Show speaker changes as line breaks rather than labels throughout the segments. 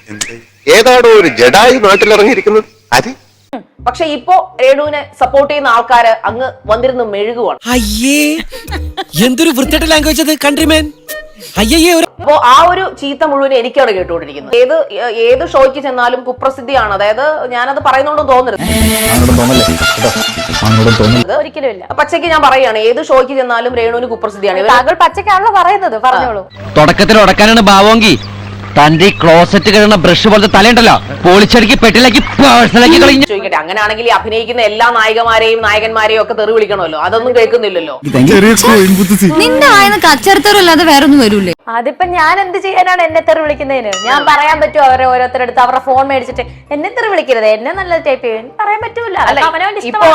ഏതാണോ ഒരു ജഡായി നാട്ടിലിറങ്ങിയിരിക്കുന്നത് അത്.
പക്ഷെ ഇപ്പോ രേണുവിനെ സപ്പോർട്ട് ചെയ്യുന്ന ആൾക്കാര് അങ്ങ് വന്നിരുന്ന് മെഴുകുവാണ്.
അയ്യേ എന്തൊരു വൃത്തിയുടെ ലാംഗ്വേജ് അത് കൺട്രിമാൻ. അയ്യേ
അപ്പോ ആ ഒരു ചീത്ത മുഴുവൻ എനിക്കാണ് കേട്ടുകൊണ്ടിരിക്കുന്നത്. ഏത് ഷോയ്ക്ക് ചെന്നാലും കുപ്രസിദ്ധിയാണ്. അതായത് ഞാനത് പറയുന്നോണ്ടും തോന്നരുത്,
ഒരിക്കലും ഇല്ല.
പച്ചയ്ക്ക് ഞാൻ പറയുകയാണ്, ഏത് ഷോയ്ക്ക് ചെന്നാലും രേണുവിന് കുപ്രസിദ്ധിയാണ്.
താങ്കൾ പച്ചക്കാണല്ലോ പറയുന്നത്, പറഞ്ഞോളൂ.
തുടക്കത്തിൽ ഉടക്കാനാണ് ഭാവമെങ്കിൽ തന്റെ ക്ലോസറ്റ് കഴിയുന്ന ബ്രഷ് പോലത്തെ തലയുണ്ടല്ലോ പൊളിച്ചടുക്കി പെട്ടിലാക്കി പേഴ്സണലാക്കി കളഞ്ഞു.
ചോദിക്കട്ടെ, അങ്ങനെയാണെങ്കിൽ ഈ അഭിനയിക്കുന്ന എല്ലാ നായികമാരെയും നായകന്മാരെയും ഒക്കെ തെറി വിളിക്കണമല്ലോ, അതൊന്നും കേൾക്കുന്നില്ലല്ലോ.
നിന്റെ വായന കച്ചറത്തരല്ലാതെ വേറൊന്നും വരൂലേ?
അതിപ്പോ ഞാൻ എന്ത് ചെയ്യാനാണ് എന്നെ തെറി വിളിക്കുന്നതിന്? ഞാൻ പറയാൻ പറ്റുമോ അവരെ ഓരോരുത്തരെടുത്ത് അവരുടെ ഫോൺ മേടിച്ചിട്ട് എന്നെ തെറി വിളിക്കരുത്, എന്നെ നല്ല ടൈപ്പ് ചെയ്യും പറയാൻ പറ്റൂല. അവനവന്റെ
ഇപ്പൊ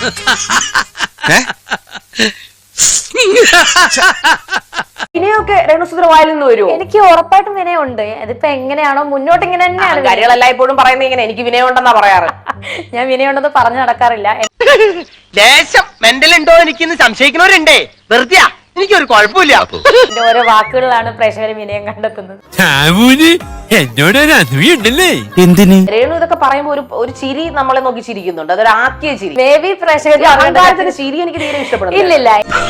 വിനയൊക്കെ രേണുസുധയുടെ വായിൽ നിന്ന് വരുമോ?
എനിക്ക് ഉറപ്പായിട്ടും വിനയുണ്ട്. അതിപ്പോ എങ്ങനെയാണോ മുന്നോട്ട് ഇങ്ങനെ തന്നെയാണ്.
കാര്യങ്ങളെല്ലാം ഇപ്പോഴും പറയുന്നത് ഇങ്ങനെ എനിക്ക് വിനയുണ്ടെന്നാ പറയാറ്.
ഞാൻ വിനയുണ്ടെന്ന് പറഞ്ഞു നടക്കാറില്ല.
ദേശം മെന്റൽ ഉണ്ടോ എനിക്കിന്ന് സംശയിക്കുന്നവരുണ്ടേ. വെറുതെ എനിക്കൊരു കുഴപ്പമില്ല.
എന്റെ ഓരോ വാക്കുകളിലാണ് പ്രേക്ഷകർ വിനയം കണ്ടെത്തുന്നത്.
എന്തിന്
രേണു ഇതൊക്കെ പറയുമ്പോ ഒരു ചിരി നമ്മളെ നോക്കി ചിരിക്കുന്നുണ്ട്, അതൊരു ആക്കിയ ചിരി.
മേ ബി പ്രേക്ഷകർ
അഹങ്കാരത്തിന്റെ ചിരി എനിക്ക് തീരെ ഇഷ്ടപ്പെടുന്നു.
ഇല്ലില്ല,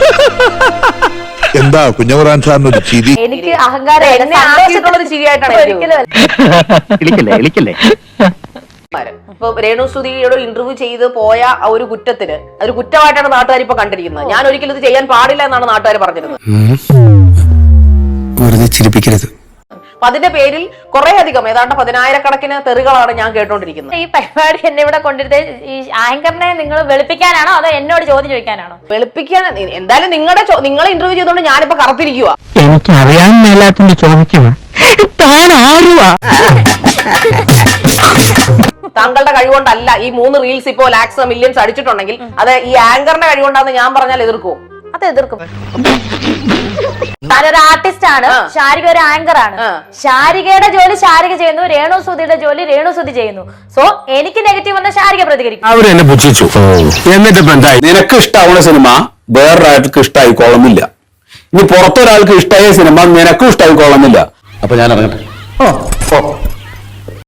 എന്താ കുഞ്ഞവറാൻ സാറിനൊരു ചിരി?
എനിക്ക് അഹങ്കാരം
എന്നെ ആക്കിയിട്ടുള്ളൊരു ചിരിയായിട്ടാണ്
എളിക്കല്ലേ
ഇപ്പൊ രേണുസുധിയോട് ഇന്റർവ്യൂ ചെയ്ത് പോയ ആ ഒരു കുറ്റത്തിന് അതൊരു കുറ്റമായിട്ടാണ് നാട്ടുകാർ ഇപ്പൊ കണ്ടിരിക്കുന്നത്. ഞാൻ ഒരിക്കലും ഇത് ചെയ്യാൻ പാടില്ല എന്നാണ് നാട്ടുകാർ പറഞ്ഞിരുന്നത്.
വെറുതെ ചിരിപ്പിക്കരുത്.
അപ്പൊ അതിന്റെ പേരിൽ കുറെ അധികം ഏതാണ്ട് 10,000-കണക്കിന് തെറികളാണ് ഞാൻ കേട്ടോണ്ടിരിക്കുന്നത്.
ഈ പരിപാടി എന്നെ ഇവിടെ കൊണ്ടിരുന്നത് ഈ ആങ്കറിനെ നിങ്ങൾ വെളുപ്പിക്കാനാണോ അതോ എന്നോട് ചോദ്യം ചോദിക്കാനാണോ?
വെളുപ്പിക്കാൻ എന്തായാലും നിങ്ങളെ ഇന്റർവ്യൂ ചെയ്തോണ്ട് ഞാനിപ്പോ കറത്തിരിക്കുക.
എനിക്ക് അറിയാൻ മേലാത്തിന്റെ ചോദിക്കുക താൻ ആരുവാ?
താങ്കളുടെ കഴിവുകൊണ്ടല്ല ഈ 3 റീൽസ് ഇപ്പോ ലാക്സ് മില്യൺസ് അടിച്ചിട്ടുണ്ടെങ്കിൽ അത് ഈ ആങ്കറിന്റെ കഴിവുകൊണ്ടാന്ന് ഞാൻ പറഞ്ഞാൽ എതിർക്കുമോ?
അത് എതിർക്കും. താനൊരു ആർട്ടിസ്റ്റ് ആണ്, ശാരിക ഒരു ആങ്കർ ആണ്. ശാരികയുടെ ജോലി ശാരിക ചെയ്യുന്നു, രേണുസുധിയുടെ ജോലി രേണുസുധി ചെയ്യുന്നു. സോ എനിക്ക് നെഗറ്റീവ് വന്ന ശാരിക പ്രതികരിക്കും.
അവരെന്നെ പുച്ഛിച്ചു. എന്നിട്ട് നിനക്ക് ഇഷ്ടമാവുന്ന സിനിമ വേറൊരാൾക്ക് ഇഷ്ടമായിക്കോളമില്ല. ഇനി പുറത്തൊരാൾക്ക് ഇഷ്ടമായ സിനിമ നിനക്കും ഇഷ്ടമായിക്കോളമില്ല. അപ്പൊ ഞാൻ ഇറങ്ങട്ടെ.